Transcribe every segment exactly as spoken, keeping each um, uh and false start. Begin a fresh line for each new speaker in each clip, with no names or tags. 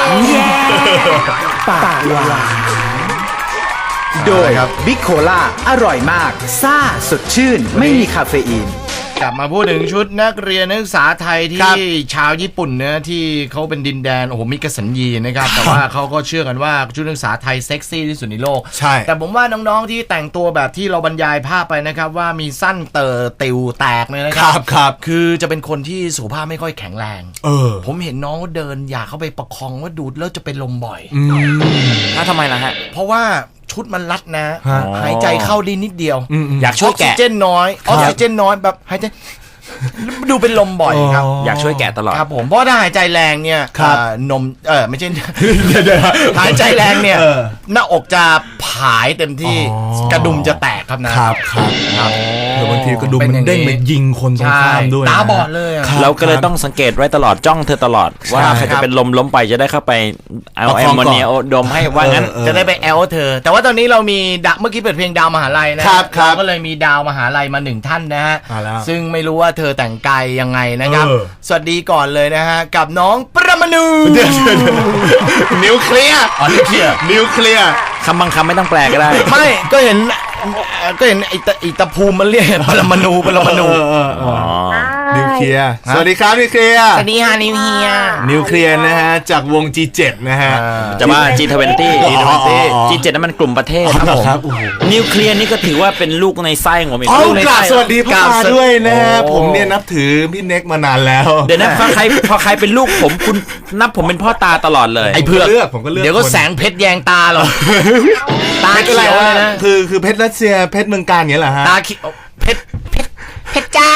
ปากหวานโดยบิ๊กโคล่าอร่อยมากซ่าสดชื่นไม่มีคาเฟอีน
กลับมาพูดถึงชุดนักเรียนนักศึกษาไทยที่ชาวญี่ปุ่นเนะที่เขาเป็นดินแดนโอ้โหมิกสัญญีนะครับแต่ว่าเขาก็เชื่อกันว่าชุดนักศึกษาไทยเซ็กซี่ที่สุดในโลก
ใช่
แต่ผมว่าน้องๆที่แต่งตัวแบบที่เราบรรยายภาพไปนะครับว่ามีสั้นเตอติวแตกเลยนะครับ
ครับ
คือจะเป็นคนที่สุขภาพไม่ค่อยแข็งแรง
เออ
ผมเห็นน้องเดินอยากเข้าไปประคองว่าดูดแล้วจะเป็นลมบ่อย
ถ้าทำไมล่ะฮะ
เพราะว่าชุดมันรัดนะหายใจเข้าดีนิดเดียว
อยากช่วยแกะ
ออกซิเจนน้อยออกซิเจนน้อยแบบหายใจดูเป็นลมบ่อยครับ
อยากช่วยแกะตลอด
ครับผมเพราะถ้าหายใจแรงเนี่ยนมเออไม่ใช่หายใจแรงเนี่ยหน้าอกจะผายเต็มที่กระดุมจะแตกครับนะครับ
ครับครับหรือบางทีกระดุมมันเด้งมายิงคนตรงข้ามด้วย
ตาบอดเลย
เราก็เลยต้องสังเกตไว้ตลอดจ้องเธอตลอดว่าใครจะเป็นลมล้มไปจะได้เข้าไปเอาแอมโมเนียดมให้ว่างั้น
จะได้ไปแอลเธอแต่ว่าตอนนี้เรามีเมื่อกี้เปิดเพลงดาวมหาลัยนะเราก็เลยมีดาวมหาลัยมาหนึ่งท่านนะฮะซึ่งไม่รู้ว่าเธอแต่งกายยังไงนะครับสวัสดีก่อนเลยนะฮะกับน้องประมาณู
นิวเคลียร์
อ๋อนิวเคลียร์
นิวเคลียร์
คำบางคำไม่ต้องแปลก็ได้
ไม่ก็เห็นก็เห็นไอ้ตะอีตะภูมิมันเรียกปรมาณูปรมาณู
นิวเคลียร์สวัสดีครับนิวเคลียร์
สวัสดีฮะนิวเคลียร์
นิวเคลียร์นะฮะจากวง จี เจ็ด นะฮะ
จะว่า จี ทเวนตี้ จี เจ็ด นั้นมันกลุ่มประเทศครับผมนิวเคลียร์นี่ก็ถือว่าเป็นลูกในไส้ของผมเอง
ลูกในไส้สวัสดีพ่อตาด้วยนะฮะผมเนี่ยนับถือพี่เน็กมานานแล้ว
เดี๋ยวนะพอใครพอใครเป็นลูกผมคุณนับผมเป็นพ่อตาตลอดเลย
ไอ้เพื่อ
เลือกผมก็เลือก
เดี๋ยวก็แสงเพชรแยงตาหรอตาเขียวเลยนะ
คือคือเพชรรัสเซียเพชรเมืองการเงี้ยเหรอฮะ
ตาเขียวเพชรเพชรเพชรจ้า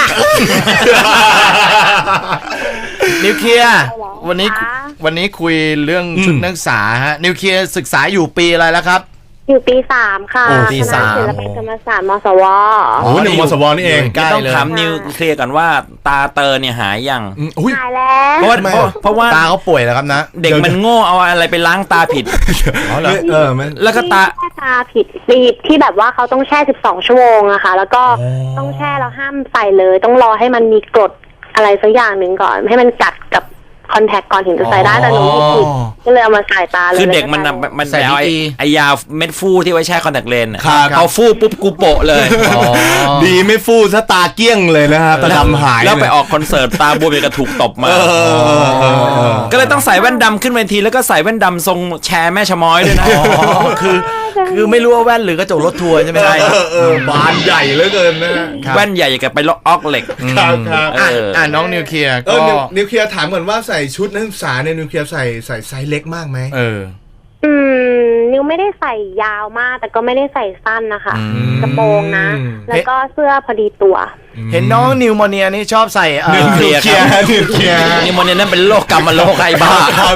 นิวเคลียร์วันนี้วันนี้คุยเรื่องชุดนักศึกษาฮะนิวเคลียร์ศึกษาอยู่ปีอะไรแล้วครับ
อยู่ปีสามค่ะ
ปีสาม
ศิลปกรรมศาสตร์มสว
อ๋อหนึ่งมสวนี่เอง
ต้องถามนิวเคลียร์ก่อนว่าตาเตอร์เนี่ยหายยัง
หายแล้ว
เพราะว่าเพราะว่า
ตาเขาป่วยแล้วครับนะ
เด็กมันโง่เอาอะไรไปล้างตาผิด
เออ
แล้วก็ตา
ตาผิดปีที่แบบว่าเขาต้องแช่สิบสองชั่วโมงอะค่ะแล้วก็ต้องแช่แล้วห้ามใส่เลยต้องรอให้มันมีกรดอะไรสักอย่างหนึ่งก่อนให้มันกัดกับคอนแทคก่อนถึงจะใส่ได้แต่หนูผิดก็เลยเอามาใส่ตาเลย
คือเด็กมันมันใส่ไอยาเม็ดฟูที่ไว้แช่คอนแทคเลนส์
เอา
ฟูปุ๊บกูโปะเลย
ดีไม่ฟูซะตาเกี้ยงเลยนะครับตาดำหาย
แล้วไปออกคอนเสิร์ตตาบวมกระถูกตบมาก็เลยต้องใส่แว่นดำขึ้นเวทีแล้วก็ใส่แว่นดำทรงแชร์แม่ชะม้อยด้วยนะ
คือคือไม่รู้ว่าแว่นหรือกระจกรถทัวร์ใช่ไหมได้
บานใหญ่เหลือเกินนะ
แว่นใหญ่กับไปล็อกออกเหล็ก
ครับครับ
อ่าน้องนิวเคลียร์ก็
นิวเคลียร์ถามก่อนว่าใส่ชุดนักศึกษาเนี่ยนิวเคลียร์ใส่ใส่ไซส์เล็กมากไหม
เออ
อืมนิวไม่ได้ใส่ยาวมากแต่ก็ไม่ได้ใส่สั้นนะคะกระโปรงนะแล้วก็เสื้อพอดีตัว
เห็นน้องนิวโมเนียนี่ชอบใส่
นิวเคลียร์
นิวเคลียร์
นิวโมเนียนั่นเป็นโรคกรรมโรคไอ้บ้าครับ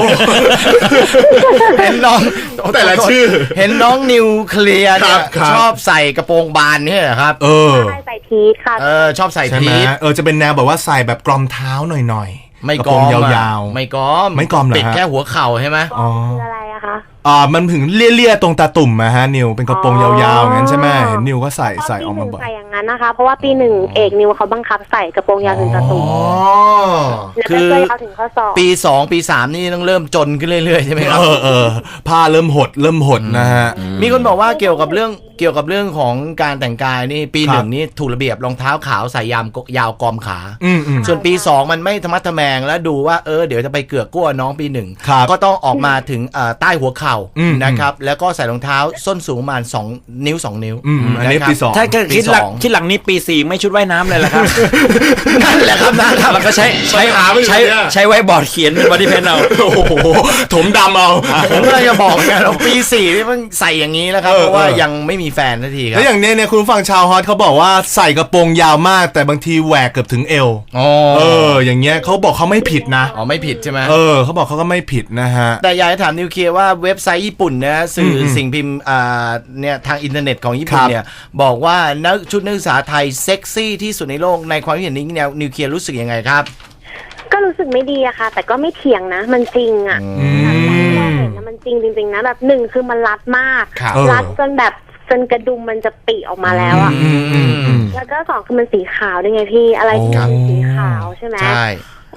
เห็นน้อง
แต่ละชื่อ
เห็นน้องนิวเคลียร์เนี่ยชอบใส่กระโปรงบานนี่เหรอครับ
เออ
ใส่พีทค่ะ
เออชอบใส่พีท
เออจะเป็นแนวแบบว่าใส่แบบกรอมเท้าหน่อยๆ
ไม่กอม
ยาว
ๆไม่กอม
ไม่กอมเหรอ
ปิดแค่หัวเข่าใช่ไหม
อ๋ออะไรอะคะ
อ่ามันถึงเลี่ยๆตรงตาตุ่มอะฮะนิวเป็นกระโปรงยาวๆงั้นใช่ไหมเห็นนิวก็ใส่ใส่ออกมาบ่อย
ใส่อย่างนั้นนะคะเพราะว่าปีหนึ่งเอกนิวเขาบังคับใส่กระโปรงยาวถึงตาตุ่ม
คือปีสองปีสามนี่ต้องเริ่มจนขึ้นเรื่อยๆใช่ไหมครับ
เออเออผ้าเริ่มหดเริ่มหดนะฮะ
มีคนบอกว่าเกี่ยวกับเรื่องเกี่ยวกับเรื่องของการแต่งกายนี่ปีหนึ่งนี่ถูกระเบียบรองเท้าขาวใส่ยามยาวกอมขาส่วนปีสองมันไม่ธรรมะทแมงแล้วดูว่าเออเดี๋ยวจะไปเกือกกั้วน้องปีหนึ่งก็ต้องออกมาถึงใต้หัวเข่านะครับแล้วก็ใส่รองเท้าส้นสูงประมาณสองนิ้วสองนิ้ว
อันนี้ปีสอง
ถ้าคิดหลังคิดหลังนี้ปีสี่ไม่ชุดว่ายน้ำเลยละครับ
นั่นแหละครับนั่นครับ
แล้วก็ใช้ใช้ใช้ใช้ไว้บอร์ดเขียนเป็นบอดี้เพนเอา
โอ้โหถมดำเอา
ผมก็จะบอกไงเราปีสี่นี่มันใส่อย่างนี้แล้วครับเพราะว่ายังไม่มีแฟนทันทีครับ
แล้วอย่างนี้เนี่ยคุณฟังชาวฮอตเขาบอกว่าใส่กระโปรงยาวมากแต่บางทีแหวกเกือบถึงเอวเอออย่างเงี้ยเขาบอกเขาไม่ผิดนะ
อ๋อไม่ผิดใช่ไหม
เออเขาบอกเขาก็ไม่ผิดนะฮะ
แต่อยากจะถามนิวเคลียร์ว่าเว็บไซต์ญี่ปุ่นนะสื่อสิ่งพิมพ์อ่าเนี่ยทางอินเทอร์เน็ตของญี่ปุ่นเนี่ยบอกว่านักชุดนักศึกษาไทยเซ็กซี่ที่สุดในโลกในความคิดเห็นนี้แนวนิวเคลียร์รู้สึกยังไงครับ
ก็รู้สึกไม่ดีอะค่ะแต่ก็ไม่เถียงนะมันจริงอะเห็นนะมันจริงจริงๆนะแบบหนึ่งคือมันรัดมากรัดจนแบบจนกระดุมมันจะปีออกมาแล้วอะแล้วก็สองคือมันสีขาวด้วยไงพี่อะไรที่มันสีขาวใช่ไหมใช่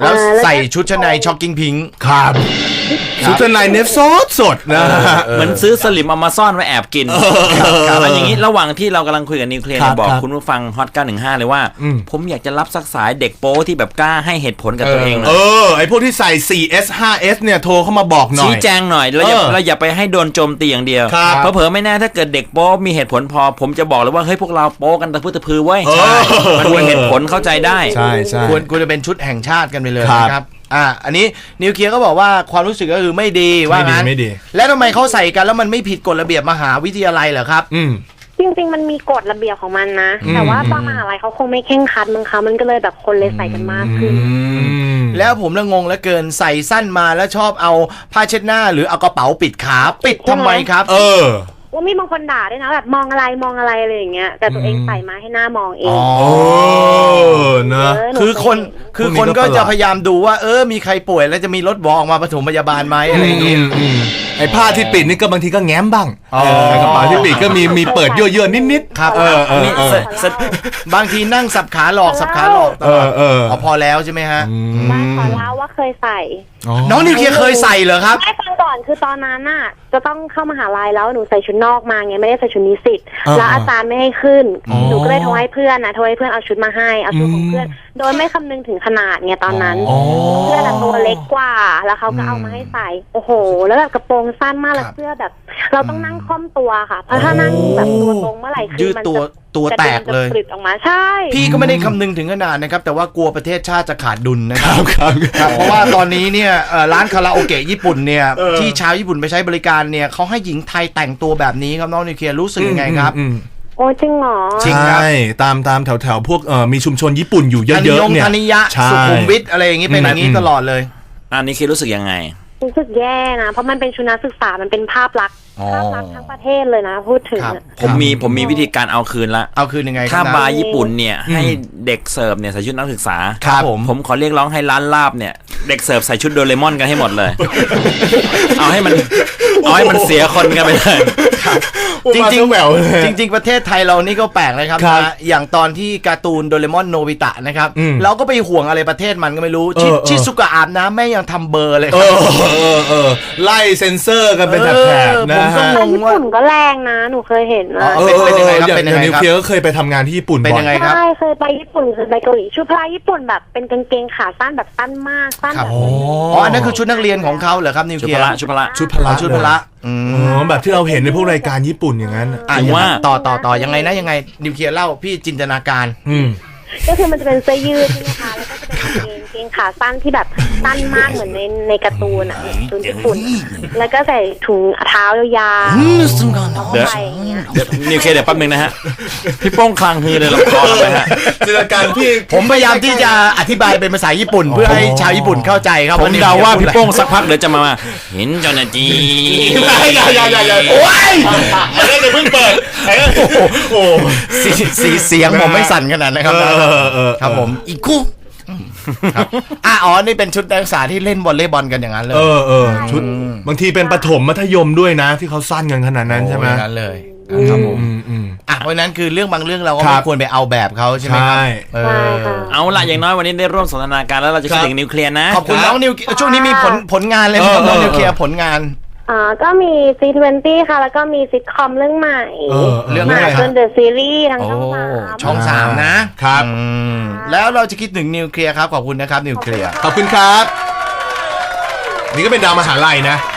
แล้วใส่ชุดชั้นในช็อกกิ้งพิงค์
ครับชุดชั้นในเนฟซอสสดนะ
เหมือนซื้อสลิมเอามาซ่อนไว้แอบกินอันอย่างนี้ระหว่างที่เรากำลังคุยกับนิวเคลียร์เนี่ยบอกคุณผู้ฟังฮอตเก้าหนึ่งห้าเลยว่าผมอยากจะรับสักสายเด็กโป๊ที่แบบกล้าให้เหตุผลกับตัวเองหน่อย
เออไอพวกที่ใส่ โฟร์ เอส ไฟว์ เอส เนี่ยโทรเข้ามาบอกหน่อย
ชี้แจงหน่อยเราอย่า
เออ
เราอย่าไปให้โดนโจมตีอย่างเดียว
ครับ
เผลอๆไม่แน่ถ้าเกิดเด็กโป๊มีเหตุผลพอผมจะบอกเลยว่าเฮ้ยพวกเราโป๊กันตะพื้นตะพือเว้ย
ใช่
มันมีเหตุผลเข้าใจได้
ใช่ใช่
ควรควรจะเป็นชุดแห่งชาติกันไปเลย
ครับ
นะครับอ่าอันนี้นิวเคลียร์ก็บอกว่าความรู้สึกก็คือไม่ดีว่า
ไม่ดี
งั้น
ไม่ดี
แล้วทำไมเขาใส่กันแล้วมันไม่ผิดกฎระเบียบมหาวิทยาลัยเหรอครับ
อืม
จริงๆมันมีกฎระเบียบของมันนะ แต่ว่าบางมหาลัยเขาคงไม่เข่งครัดมั้งคะมันก็เลยแบบคนเลยใส่กันมากขึ้น
แล้วผมละงงเหลือเกินใส่สั้นมาแล้วชอบเอาผ้าเช็ดหน้าหรือเอากระเป๋าปิดขาปิดทำไมครับ
เออ
ว่ามีบางคนด่าด้วยนะแบบมองอะไรมองอะไรอะไรอย่างเงี้ยแต่ตัวเองใส่มาให้หน้ามองเอง
โอ้เนอะ
เออห
คือคน
เห็
คือ
พวกนี้
คน
ก็
ก็
ประหลาด
จะพยายามดูว่าเออมีใครป่วยแล้วจะมีรถบอออกมาปฐมพยาบาลไหมอะไรอย่างเงี้ย
อืมไอ้ผ้าที่ปิดนี่ก็บางทีก็แง้มบ้าง
อ๋อ
เออกระเป๋าที่ปิดก็มีมีเปิดเยอะๆนิดๆ
ครับ
เออเออ
นี่
เออ
เสร็จเสร็จ
บางทีนั่งสับขาหลอกสับขาหลอกตลอด
เออเออ
เอาพอแล้วใช่ไหมฮะ
บ้านขอเล่าว่าเคยใส่
น้องนิวเคลียร์เคยใส่เหรอครับ
ไม่ฟังก่อนคือตอนนั้นน่ะจะต้องเข้ามหาลัยแล้วหนูใส่ชุดนอกมาไงไม่ได้ใส่ชุดนิสิต
เออ
แล้วอาจารย์ไม่ให้ขึ้นหนูก็เลยโทรให้เพื่อนนะโทรให้เพื่อนเอาชุดมาให้เอาชุดของเพื่อนโดยไม่คำนึงถึงขนาดไงตอนนั้น
อ๋อ
เพื่อนอะตัวเล็กกว่าแล้วเขาก็เอามาให้ใส่โอ้โห แล้วแบบกระโปรงสั้นมากแล้วเสื้อแบบ เราต้องนั่งค่อมตัวค่ะเพราะถ้านั่งแบบตัวตรงเมื่อไหร่คื
ยื
อ
ด
มัน
ตัว
จะ
ตัวแตกเลย
จะปลิดออกมาใช่
พี่ก็ไม่ได้คำนึงถึงขนาดนะครับ แต่ว่ากลัวประเทศชาติจะขาดดุลนะค
ค
รั
รั
บบ
ครับ
ครับเพราะว่าตอนนี้เนี่ยเอ่อร้านคาราโอเกะญี่ปุ่นเนี่ยที่ชาวญี่ปุ่นไปใช้บริการเนี่ยเขาให้หญิงไทยแต่งตัวแบบนี้ครับน้องนิวเคลียร์รู้สึกยังไงครับ
อืม
โอ้จริงเหรอ
จริงครับ
ใช่ตามตามแถวแถวๆพวกเอ่อมีชุมชนญี่ปุ่นอยู่เย
ธนิ
อะ
ย
ๆ
ง
เนี่ย
ธนิยะ
ใช่
สุขุมวิทอะไรอย่างนี้เป็นอย่างนี้
อืม
ตลอดเลย
อันนี้คือรู้สึกยังไง
รู้สึกแย่นะเพราะมันเป็นชุดนักศึกษามันเป็นภาพลักษณ์
อ๋อ
ภาพลักษณ์ทั้งประเทศเลยนะพูดถึง
ครับ
อะ
ผมมีผมมีวิธีการเอาคืนละ
เอาคืนยังไงค
ถ้า
รับ
บาร์ญี่ปุ่นเนี่ยให้เด็กเสิร์ฟเนี่ยใส่ชุดนักศึกษา
ครับผม
ผมขอเรียกร้องให้ร้านลาบเนี่ยเด็กเสิร์ฟใส่ชุดโดเรมอนกันให้หมดเลย เอาให้มันเอาให้มันเสียคนกันไปเลย
จริง
มาซะแหววเลย
ๆจริง ๆ ประเทศไทยเรานี่ก็แปลกนะครับ
ครับ
นะอย่างตอนที่การ์ตูนโดเรมอนโนบิตะนะครับ
อืม
เราก็ไปห่วงอะไรประเทศมันก็ไม่รู้ชิ
เออเออ
ชิซุกะอาบน้ำแม่ยังทำเบอร์เลยค
เอ
รับ
อเออเออไล่เซ็นเซอร์กันเป็นแถบ
เออ
ๆนะ
ผมก็
ฮะ
ง
แต่
ง
ญี่ปุ่นก็แรงนะหนูเคยเห็นนะ
เออ
เป็นยังไงครับ
ออ
เป็นยังไง
นิว
ครับ
เคลียร์ก็เคยไปทำงานที่ญี่ปุ่น
เป็น
บ่อ
ยัง
ย
ไงครับ
ใช่เคยไปญี่ปุ่นเคยไปเกาหลีชุดพละญี่ปุ่นแบบเป็นกางเกงขาสั้นแบบสั้นมากสั้นแบบ
อ๋ออันนั้นคือชุดนักเรียนของเขาเหรอครับนิว
ชุ
เค
ด
ลีย
พ
ร์
ละชุดพละ
ชุดพละ
อ๋อชุดพละอืม
อ๋อแบบที่เราเห็นในพวกรายการญี่ปุ่นอย่างนั้น
อ่ะ
ถึงว่า
ต่อต่อต่อยังไงนะยังไงนิวเคลียร์เล่าพี่จินตนาการ
อืม
ก็คือมันจะเป็นเสื้อยืดใช่ไหมคะแล้วก็จะเป็นกางเกงกางเกงขาสั้นที่แบบสั้นมากเหมือนในในการ์ตูนอ่ะการ์ตูนญี่ปุ่นแล้วก็ใส่ถุงเท้ายาวๆเข้าไปอย่างเงี้ย
เดี๋ยวนิวเคลียร์เดี๋ยวแป๊บนึงนะฮะพี่โป้งคลางฮือเลยลำคอเลยฮะ
จินตนาการพี่
ผมพยายามที่จะอธิบายเป็นภาษาญี่ปุ่น เพื่อให้ชาวญี่ปุ่นเข้าใจครับ
ผมเดาว่าพี่โป้งสักพักเดี๋ยวจะมาว่าเห็นเจ้าหน้าที่
อย่าอย่าอย่าอย่าโอ้ยอันนั้นเดี๋ยวเพิ่งเปิดโอ้
สีสีเสียงผมไม่สั่นขนาดนะครับ
เออเออ
ครับผมอีกคู่ครับอ่ะอ๋อนี่เป็นชุดนักศึกษาที่เล่นวอลเลย์บอลกันอย่างนั้นเลย
เออเออชุดบางทีเป็นประถมมัธยมด้วยนะ ที่เขาสั้นกันขนาดนั้นใช่ไหม
โอ้ยนั้นเลยครับผม
อืมอืม
อ่ะเพราะฉะนั้นคือเรื่องบางเรื่องเราก็
ครั
ไม่
บ
ควรไปเอาแบบเขาใช่ไหมครับ
ใช่
เออ
ใช่ค่ะ
เอาละอย่างน้อยวันนี้ได้ร่วมสนทนาการแล้วเราจะคิดถึงนิวเคลียร์นะ
ขอบคุณน้องนิวช่วงนี้มีผลผลงานเลยไหมครับ
เออ
น้องนิวเคลียร์ผลงาน
อ่าก็มี ซี ทเวนตี้ ค่ะ แล้วก็มีซิทคอมเรื่องใหม่
เออ
เรื่อง
ให
อะไร
ม่
ค
จ
รับ
นเดอะซีรีส์ทาง
โอ้
ช่องสาม
ช่องสามนะครับ อืมแล้วเราจะคิดถึงนิวเคลียร์ครับขอบคุณนะครับนิวเคลียร์
ขอบคุณครับ นี่ก็เป็นดาวมหาลัยนะ